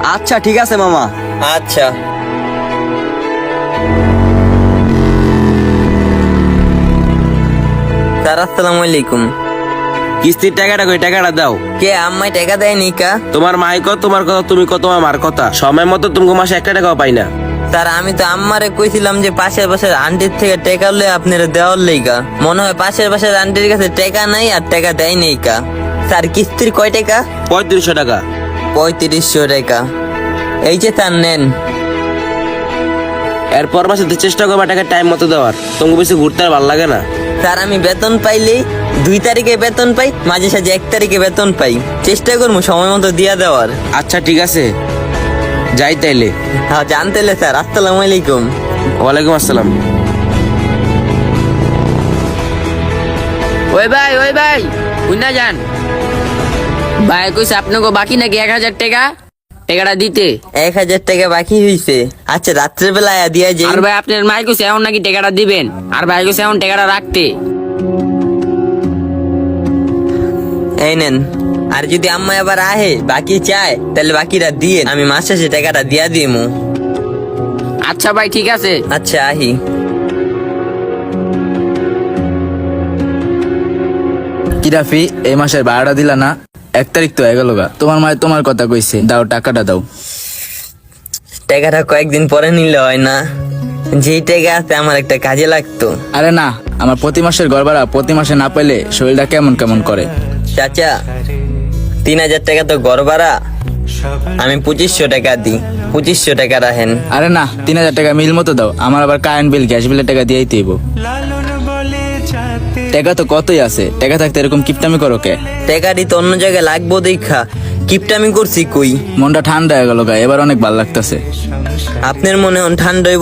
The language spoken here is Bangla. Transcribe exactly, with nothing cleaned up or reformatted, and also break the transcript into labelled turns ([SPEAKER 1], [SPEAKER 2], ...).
[SPEAKER 1] আচ্ছা ঠিক আছে মামা।
[SPEAKER 2] আচ্ছা। স্যার আসসালামু আলাইকুম।
[SPEAKER 1] কিস্তির টাকাটা কই, টাকাটা দাও।
[SPEAKER 2] কে আম্মাই টাকা দেয়নি কা?
[SPEAKER 1] তোমার মাই কত, তোমার কথা তুমি কত, তোমার মার কথা। সময় মতো তুমি মাসে একটা টাকাও পাই না।
[SPEAKER 2] স্যার আমি তো আম্মারে কইছিলাম যে পাশের পাশের আন্টির থেকে টাকা লই আপনারা দেওয়ার লেগা। মনে হয় পাশের পাশের আন্টির কাছে টাকা নাই আর টাকা দেয় নেই কা। স্যার কিস্তির কয় টাকা?
[SPEAKER 1] পঁয়ত্রিশশো টাকা।
[SPEAKER 2] পঁয়ত্রিশশো টাকা। এই যে স্যার নেন।
[SPEAKER 1] এরপর মাসে তো চেষ্টা করবা টাকা টাইম মতো দেওয়ার। তোমাকে বেশি ঘুরতে আর ভালো লাগে না।
[SPEAKER 2] স্যার আমি বেতন পাইলেই দুই তারিখে বেতন পাই, মাঝে সাঝে এক তারিখে বেতন পাই। চেষ্টা করবো সময় মতো দিয়া দেওয়ার।
[SPEAKER 1] আচ্ছা ঠিক আছে, যাই তাইলে।
[SPEAKER 2] হ্যাঁ জানতেলে স্যার। আসসালামু আলাইকুম।
[SPEAKER 1] ওয়ালাইকুম আসসালাম।
[SPEAKER 3] ওই ভাই ওই ভাই কুন্না যান ভাই, কইছে আপনাকে বাকি নাকি এক হাজার টাকা টাকাটা দিতে।
[SPEAKER 2] এক হাজার টাকা বাকি হইছে। আচ্ছা রাত্রের বেলা আয়া দিয়া যাই।
[SPEAKER 3] আর ভাই আপনার মাই কইছে এখন নাকি টাকাটা দিবেন, আর ভাই কইছে এখন টাকাটা রাখতে।
[SPEAKER 2] এই নেন। আর যদি আম্মা আবার আহে বাকি চায় তাহলে বাকিটা দিয়ে আমি মাস শেষে টাকাটা দিয়া দিমু।
[SPEAKER 3] আচ্ছা ভাই ঠিক আছে।
[SPEAKER 2] আচ্ছা আহি।
[SPEAKER 4] কি রাফি, এই মাসের ভাড়াটা দিলা না? এক তারিখ তো হয়ে গেল গা। তোমার মায়ের তোমার কথা কইছে, দাও টাকাটা দাও।
[SPEAKER 2] টাকাটা কয়েকদিন পরে নিলে হয় না? যেই টাকা আছে আমার একটা কাজে লাগতো।
[SPEAKER 4] আরে না, আমার প্রতি মাসের ঘর ভাড়া প্রতি মাসে না পেলে শরীরটা কেমন কেমন করে।
[SPEAKER 2] চাচা তিন হাজার টাকা তো ঘর ভাড়া, আমি পঁচিশশো টাকা দিই। পঁচিশশো টাকা রাখেন।
[SPEAKER 4] আরে না, তিন হাজার টাকা মিল মতো দাও। আমার আবার কারেন্ট বিল গ্যাস বিলের টাকা দিয়েই দিব। টাকা তো কতই আছে, টাকা থাকতে এরকম কিপটামি করো কে?
[SPEAKER 2] টাকাটি তো অন্য জায়গায় লাগবো দেখা কিপটামি করছি কই।
[SPEAKER 4] মনটা ঠান্ডা হয়ে গেল গা, এবার অনেক ভালো লাগতেছে।
[SPEAKER 2] আপনার মনে হন ঠান্ডা